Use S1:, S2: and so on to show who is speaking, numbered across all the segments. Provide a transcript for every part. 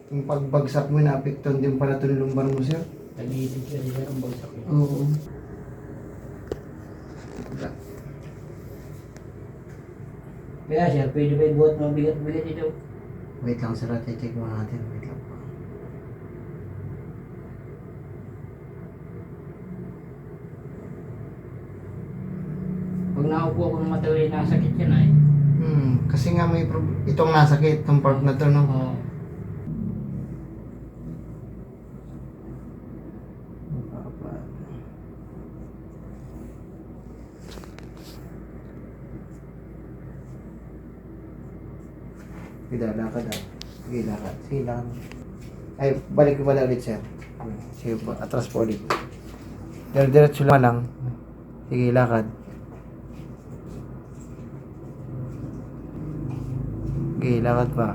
S1: Yung pagbagsak mo, naapektuhan din pala ito ng lumbar mo, sir.
S2: Tag-iisip siya, di ba? Ang bagsak yun.
S1: Oo.
S2: Kaya siya, pwede ba ibuhat mo bigat-bigat ito?
S1: Wait lang, sir. Check mo natin. Wait lang po.
S2: Pag naupo ako ng matawid, nasakit yan ay.
S1: Kasi nga may itong nasakit, itong part na to, no?
S2: Oo.
S1: Sige, lakad ah. Sige, lakad. Sige, lakad. Ay, balik ko pala ulit, sir. Sige, atras po ulit. Diretso lang. Sige, lakad. Sige, lakad pa.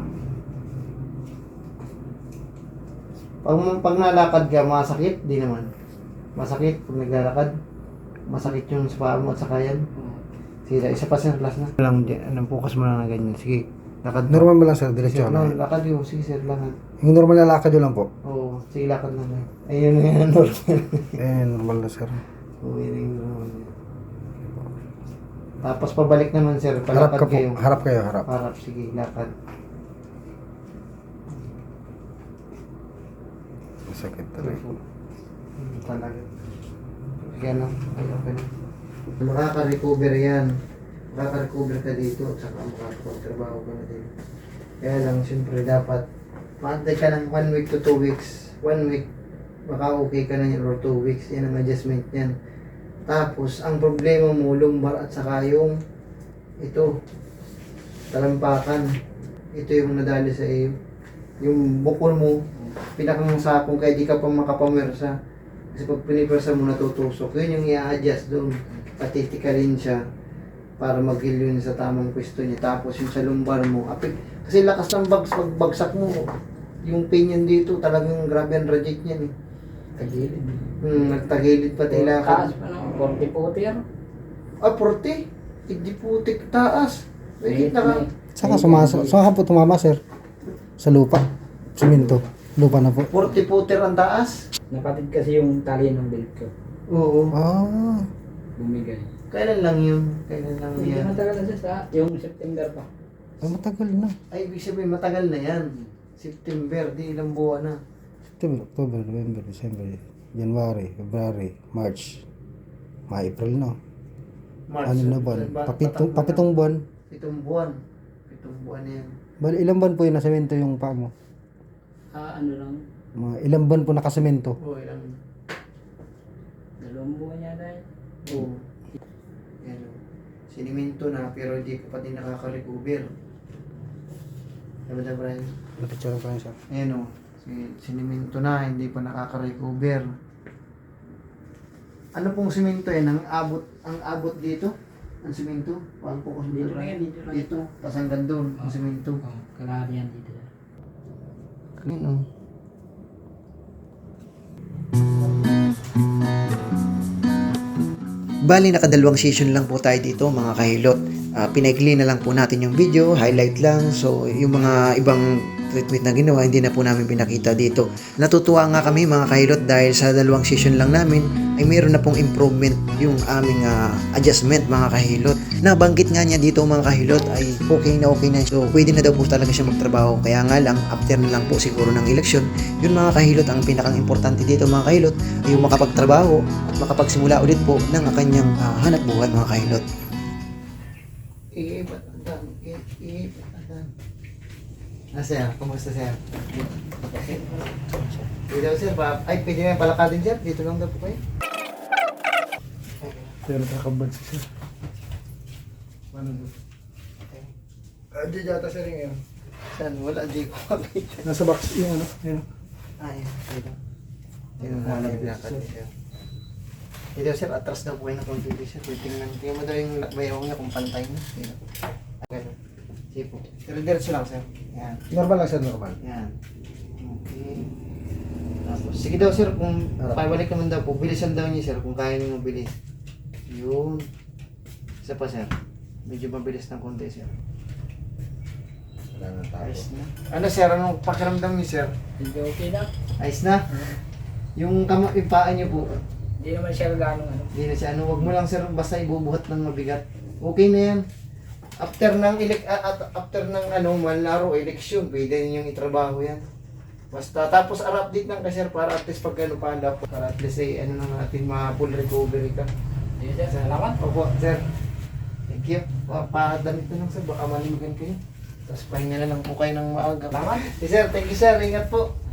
S1: Pag nalakad ka, masakit? Di naman. Masakit pag naglalakad. Masakit yung sa paa mo at sa kayan. Sige, isa pa, sir. Last na. Lang, focus mo lang na ganyan. Sige, lakad pa.
S3: Normal mo lang sir, diretso
S1: Sir,
S3: lang.
S1: lakad yun. Sige, sir, lakad.
S3: Yung normal na lakad yun lang po.
S1: Oo, sige, lakad na lang. Ayun na yan, normal.
S3: Normal na sir.
S1: Oo, yun yung normal. Tapos pabalik naman, sir.
S3: Harap
S1: Palakad
S3: ka po.
S1: kayo.
S3: Harap kayo, harap.
S1: Harap, sige, lakad.
S3: Masakit talaga.
S1: Talaga. Sige, ano? Ay, okay na. Makaka-recover yan. Makaka-recover ka dito at saka makakapagtrabaho ka na din. Kaya lang, siyempre, dapat maantay ka ng 1 week to 2 weeks. 1 week, baka okay ka na yan or 2 weeks. Yan ang adjustment yan. Tapos, ang problema mo, lumbar at saka yung ito, talampakan. Ito yung nadali sa iyo. Yung bukol mo, pinakang sakong kaya di ka pa makapamersa. Kasi pag pinipersa mo natutusok, yun yung i-adjust doon. Patitikalin siya para mag-heal yun sa tamang pwesto niya. Tapos yung sa lumbar mo, kasi lakas ng pagbagsak mo. Yung pain yun dito, talagang grabe ang reject niyan eh.
S2: Tagilid.
S1: Nagtagilid pati lakad.
S2: Taas pa ng 40-40 yan.
S1: Ah, 40? Hindi putik taas. May kita ka.
S3: Saka po tumama sir. Sa lupa. Simento. Lupa na po.
S1: 40 puter ang taas.
S2: Napatid kasi yung tali ng belt ko.
S1: Oo.
S3: Ah.
S2: Bumigay.
S1: Kailan lang yun? Kailan lang
S2: Hindi
S1: yan?
S2: matagal na siya sa yung September pa.
S3: Ay, matagal na.
S1: Ay, ibig sabihin, matagal na yan. September, di ilang buwan na.
S3: September, October, November, December, January, February, March, April na.
S1: March.
S3: Ano na buwan? Papitong buwan.
S1: 7 buwan. 7 buwan na yan.
S3: Bali, ilang buwan po yung nasemento yung paa mo?
S2: Ano lang,
S3: Mga ilang buwan po nakasemento?
S1: Oo, ilang.
S2: 2 buwan yata yun.
S1: Oo. Yan o. Siniminto na, pero hindi ko pati nakaka-recover. Diba na, Brian?
S3: Napicture ko lang siya.
S1: Ayan o. Siniminto na, hindi pa nakaka-recover. Ano pong simento yan? Ang abot dito? Ang simento? Paano po kasi
S2: Dito lang yan, dito lang.
S1: Dito. Tapos hanggang doon, ang simento.
S2: Kalahati yan dito.
S1: Clean o.
S4: Bali, nakadalawang session lang po tayo dito mga kahilot. Pinaikli na lang po natin yung video, highlight lang. So, yung mga ibang treatment na ginawa, hindi na po namin pinakita dito. Natutuwa nga kami mga kahilot dahil sa dalawang session lang namin ay mayroon na pong improvement yung aming adjustment mga kahilot. Nabanggit nga niya dito mga kahilot ay okay na. So, pwede na daw po talaga siya magtrabaho. Kaya nga lang, after na lang po siguro ng eleksyon, yun mga kahilot, ang pinakang importante dito mga kahilot ay yung makapagtrabaho at makapagsimula ulit po ng kanyang hanap buhay mga kahilot.
S1: Iibat ang dami. Sir? Kumusta, sir? Pwede daw, sir. Pwede na yung palakadin, sir. Dito lang daw po kayo.
S3: Pero nakabad siya.
S1: Paano doon?
S3: Di yata sir yung
S1: Saan? Wala, di ko makita.
S3: Nasa box yung ano. Yun.
S1: Ayan, dito. Dito na lang yung lakad ni sir. Dito, sir. Atras daw po kayo ng computer, sir. Tingnan mo daw yung bayaw niya kung pantay na. Dito. Ganun. Sige po. Pero diretso lang, sir. Yan.
S3: Normal lang sir, normal.
S1: Yan. Okay. Tapos, sige daw, sir. Kung pabalik naman daw po, bilisan daw niya, sir. Kung kaya niyo mabilis. Yun. Isa pa, sir. Medyo mabilis ng konti, sir.
S2: Ayos na.
S1: Ano sir, anong pakiramdam niyo sir?
S2: Hindi okay na.
S1: Ayos na? Yung paa niyo po,
S2: Hindi naman siya gano'ng ano.
S1: hindi na siya, wag mo lang sir, basta ibubuhat ng mabigat. Okay na yan. After ng manlaro, eleksyon, pwede ninyong itrabaho yan. Basta, tapos update lang ka sir, para at least pag pala, para at least na natin ma-full recovery ka.
S2: Sige sir, salamat.
S1: Opo, sir. Thank you. Pakadamit na lang sir, baka malimugan kayo. Tapos pahinga na lang po kayo ng maaga.
S2: Salamat.
S1: Sir, thank you sir, ingat po.